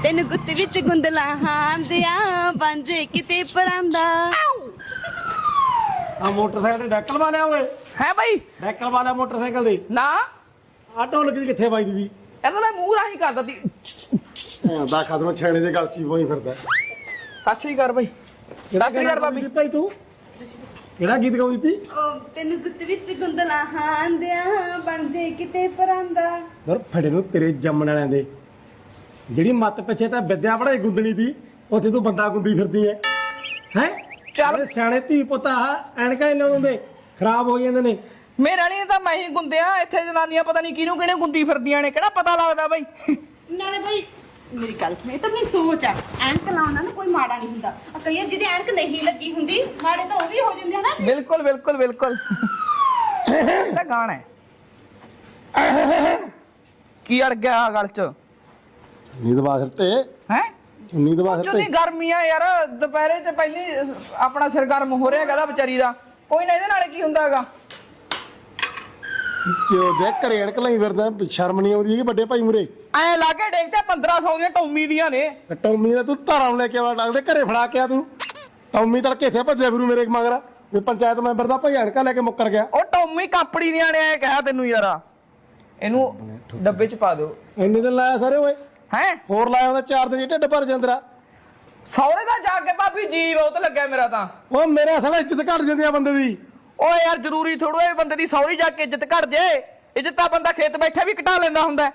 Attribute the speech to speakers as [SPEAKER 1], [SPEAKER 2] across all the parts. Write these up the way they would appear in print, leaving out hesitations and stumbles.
[SPEAKER 1] ਤੈਨੂੰ ਗੁੱਤ ਵਿੱਚ ਗੁੰਦਲਾ ਹਾਂਦਿਆ ਬਣ ਜੇ ਕਿਤੇ ਪਰਾਂਦਾ।
[SPEAKER 2] ਆ ਮੋਟਰਸਾਈਕਲ ਤੇ ਡੈਕਲ ਵਾਲਿਆ ਓਏ
[SPEAKER 3] ਹੈ ਬਾਈ
[SPEAKER 2] ਡੈਕਲ ਵਾਲਿਆ ਮੋਟਰਸਾਈਕਲ ਦੇ
[SPEAKER 3] ਨਾ
[SPEAKER 2] ਆ ਢੋਲਕ ਦੀ ਕਿੱਥੇ ਵੱਜਦੀ ਦੀ
[SPEAKER 3] ਇਹਦਾ ਮੈਂ ਮੂੰਹ ਰਾਹੀਂ ਕਰਦਾ ਤੀ।
[SPEAKER 2] ਦਾ ਖਤਮ ਛੇਣੇ ਦੇ ਗਲ ਚ ਹੀ ਪਈ ਫਿਰਦਾ
[SPEAKER 3] ਸਤਿ ਸ਼੍ਰੀ ਅਕਾਲ ਬਾਈ।
[SPEAKER 2] ਕਿਹੜਾ
[SPEAKER 3] ਸਤਿ ਸ਼੍ਰੀ ਅਕਾਲ ਭਾਬੀ।
[SPEAKER 2] ਭਾਈ ਤੂੰ ਕਿਹੜਾ ਗੀਤ ਗਾਉਂਦੀ ਤੀ
[SPEAKER 1] ਤੈਨੂੰ ਗੁੱਤ ਵਿੱਚ ਗੁੰਦਲਾ ਹਾਂਦਿਆ ਬਣ ਜੇ ਕਿਤੇ ਪਰਾਂਦਾ।
[SPEAKER 2] ਦਰ ਫੜੇ ਨੂੰ ਤੇਰੇ ਜੰਮਣ ਵਾਲਿਆਂ ਦੇ ਜਿਹੜੀ ਮੱਤ ਪਿੱਛੇ ਤਾਂ ਵਿਦਿਆ ਪੜਾਈ ਗੁੰਦਣੀ ਦੀ ਉੱਥੇ ਤੂੰ ਬੰਦਾ ਗੁੰਦੀ ਫਿਰਦੀ ਹੈ ਹੈ
[SPEAKER 3] ਚੱਲ।
[SPEAKER 2] ਸਿਆਣੇ ਧੀ ਪੁੱਤ ਆ ਐਨਕਾਂ ਇਹਨਾਂ ਹੁੰਦੇ ਖਰਾਬ ਹੋ ਜਾਂਦੇ ਨੇ।
[SPEAKER 3] ਮੇਰੇ ਵਾਲੀ ਨੇ ਤਾਂ ਮੈਂ ਹੀ ਗੁੰਦਿਆ ਇੱਥੇ ਜਨਾਨੀਆਂ ਪਤਾ ਨਹੀਂ ਕਿਹਨੂੰ ਕਿਹਨੇ ਗੁੰਦੀ ਫਿਰਦੀਆਂ ਨੇ ਕਿਹੜਾ ਪਤਾ ਲੱਗਦਾ ਬਾਈ।
[SPEAKER 1] ਨਾਲੇ ਭਾਈ ਮੇਰੀ ਗੱਲ ਸੁਣ, ਇਹ ਤਾਂ ਮੇਰੀ ਸੋਚ ਆ। ਐਨਕ ਲਾਉਣਾ ਨਾ ਕੋਈ ਮਾੜਾ ਨਹੀਂ ਹੁੰਦਾ। ਆ ਕਈ ਵਾਰ ਜਿਹਦੀ ਐਨਕ ਨਹੀਂ ਲੱਗੀ ਹੁੰਦੀ ਮਾੜੇ ਤਾਂ ਉਹ ਵੀ ਹੋ ਜਾਂਦੇ ਹਨਾ ਜੀ।
[SPEAKER 3] ਬਿਲਕੁਲ ਬਿਲਕੁਲ ਬਿਲਕੁਲ ਇਹ ਤਾਂ ਗਾਣਾ ਹੈ। ਕੀ ਅੜ ਗਿਆ ਗਲ ਚ
[SPEAKER 2] ਨੀਂਦ ਬਾਸਰ ਤੇ
[SPEAKER 3] ਹੈ
[SPEAKER 2] ਨੀਂਦ ਬਾਸਰ
[SPEAKER 3] ਚੁੱਨੀ
[SPEAKER 2] ਤੇ
[SPEAKER 3] ਗਰਮੀਆਂ ਯਾਰ ਦੁਪਹਿਰੇ ਚ ਪਹਿਲੀ ਆਪਣਾ ਸਿਰ ਗਰਮ ਹੋ ਰਿਹਾ ਕਹਦਾ ਵਿਚਾਰੀ ਦਾ ਕੋਈ ਨਾ ਇਹਦੇ ਨਾਲ ਕੀ ਹੁੰਦਾ ਹੈਗਾ।
[SPEAKER 2] ਜੋ ਦੇ ਘਰੇ ਐਨਕ ਲਾਈ ਫਿਰਦਾ ਸ਼ਰਮ ਨਹੀਂ ਆਉਂਦੀ ਕਿ ਵੱਡੇ ਭਾਈ ਮੂਰੇ
[SPEAKER 3] ਐ ਲਾ ਕੇ ਡੇਕ ਤੇ 1500 ਦੀਆਂ ਟੌਮੀ ਦੀਆਂ ਨੇ।
[SPEAKER 2] ਟੌਮੀ ਦਾ ਤੂੰ ਧਾਰਾਂ ਨੂੰ ਲੈ ਕੇ ਆਵਾ ਲੱਗਦੇ ਘਰੇ ਫੜਾ ਕੇ ਆ ਤੂੰ ਟੌਮੀ ਤੜਕੇ ਇੱਥੇ ਭੱਜਿਆ ਗੁਰੂ ਮੇਰੇ ਮਗਰ ਵੀ ਪੰਚਾਇਤ ਮੈਂਬਰ ਦਾ ਭਾਈ ਐਨਕਾਂ ਲੈ ਕੇ ਮੁੱਕਰ ਗਿਆ।
[SPEAKER 3] ਉਹ ਟੌਮੀ ਕਾਪੜੀ ਦੀਆਂ ਨੇ ਐ ਕਿਹਾ ਤੈਨੂੰ ਯਾਰ ਇਹਨੂੰ ਡੱਬੇ ਚ ਪਾ ਦਿਓ।
[SPEAKER 2] ਇੰਨੇ ਦਿਨ ਲਾਇਆ ਸਾਰੇ ਓਏ
[SPEAKER 3] ਹੈ
[SPEAKER 2] ਹੋਰ ਲਾਇਆ ਉਹਦਾ 4 ਦਿਨ ਢਿੱਡ ਭਰ ਜਾਂਦਰਾ।
[SPEAKER 3] ਸੌਰੇ ਦਾ ਜਾ ਕੇ ਭਾਬੀ ਜੀ ਬਹੁਤ ਲੱਗਿਆ ਮੇਰਾ ਤਾਂ।
[SPEAKER 2] ਉਹ ਮੇਰੇ ਅਸਲ ਇੱਜ਼ਤ ਘਟ ਜਾਂਦੀ ਆ ਬੰਦੇ ਦੀ।
[SPEAKER 3] ਓਏ ਯਾਰ ਜ਼ਰੂਰੀ ਥੋੜੋ ਇਹ ਬੰਦੇ ਦੀ ਸੌਰੀ ਜਾ ਕੇ ਇੱਜ਼ਤ ਘਟ ਜੇ। ਇੱਜ਼ਤ ਤਾਂ ਬੰਦਾ ਖੇਤ ਬੈਠਾ ਵੀ ਘਟਾ ਲੈਂਦਾ ਹੁੰਦਾ।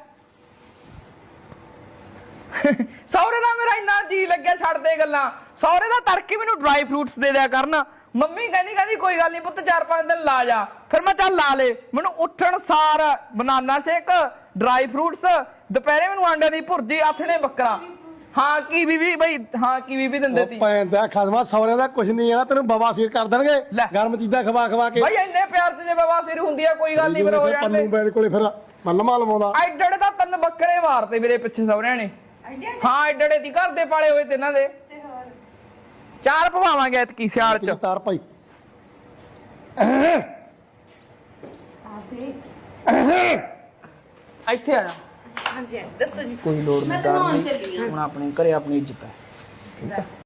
[SPEAKER 3] ਸੌਰੇ ਦਾ ਮੇਰਾ ਇੰਨਾ ਜੀ ਲੱਗਿਆ ਛੱਡ ਦੇ ਗੱਲਾਂ। ਸੌਰੇ ਦਾ ਤੜਕੇ ਮੈਨੂੰ ਡਰਾਈ ਫਰੂਟਸ ਦੇ ਦਿਆ ਕਰਨ। ਮੰਮੀ ਕਹਿੰਦੀ ਕੋਈ ਗੱਲ ਨਹੀਂ ਪੁੱਤ 4-5 ਦਿਨ ਲਾ ਜਾ। ਫਿਰ ਮੈਂ ਚੱਲ ਲਾ ਲੇ। ਮੈਨੂੰ ਉੱਠਣ ਸਾਰ ਬਨਾਨਾ ਸ਼ੇਕ ਡਰਾਈ ਫਰੂਟਸ ਦੁਪਹਿਰੇ ਮੈਨੂੰ ਆਂਡਿਆਂ ਦੀ ਭੁਰਜੀ ਆਥਣੇ ਬੱਕਰਾ। ਹਾਂ ਕੀਵੀ ਵੀ ਬਈ ਹਾਂ ਕੀਵੀ ਵੀ ਦਿੰਦੇ ਤੀ।
[SPEAKER 2] ਪੈਂਦਾ ਖਦਮਾ ਸੌਰਿਆਂ ਦਾ ਕੁਝ ਨਹੀਂ ਆ ਤੈਨੂੰ ਬਵਾਸੀਰ ਕਰ ਦੇਣਗੇ ਗਰਮ ਚੀਜ਼ਾਂ ਖਵਾ ਖਵਾ ਕੇ।
[SPEAKER 3] ਬਈ ਇੰਨੇ ਪਿਆਰ ਤੇ ਜੇ ਬਵਾਸੀਰ ਹੁੰਦੀ ਆ ਕੋਈ ਗੱਲ ਨਹੀਂ ਫਿਰ ਹੋ ਜਾਂਦੇ।
[SPEAKER 2] ਪੰਨੂ ਬੈਦ ਕੋਲੇ ਫਿਰ ਮੱਲਮਾ ਲਵਾਉਂਦਾ
[SPEAKER 3] ਐਡੜੇ ਤਾਂ 3 ਬੱਕਰੇ ਮਾਰਤੇ ਮੇਰੇ ਪਿੱਛੇ ਸਹੁਰਿਆਂ ਨੇ। ਹਾਂ ਐਡੜੇ ਦੀ ਘਰ ਦੇ ਪਾਲੇ ਹੋਏ ਤੇ ਇਹਨਾਂ ਦੇ 4 ਪਵਾਵਾਂਗੇ ਐਤਕੀ ਸਿਆਲ ਚ।
[SPEAKER 2] ਤਾਰ ਭਾਈ
[SPEAKER 3] ਇੱਥੇ ਆ ਜਾ।
[SPEAKER 1] ਹਾਂਜੀ ਦੱਸੋ ਜੀ।
[SPEAKER 3] ਕੋਈ ਲੋੜ
[SPEAKER 1] ਮੈਂ
[SPEAKER 3] ਨਹੀਂ
[SPEAKER 1] ਤਾਂ ਨਹਾਉਣ ਚੱਲੀ ਆ।
[SPEAKER 3] ਹੁਣ ਆਪਣੇ ਘਰੇ ਆਪਣੀ ਇੱਜ਼ਤ ਹੈ।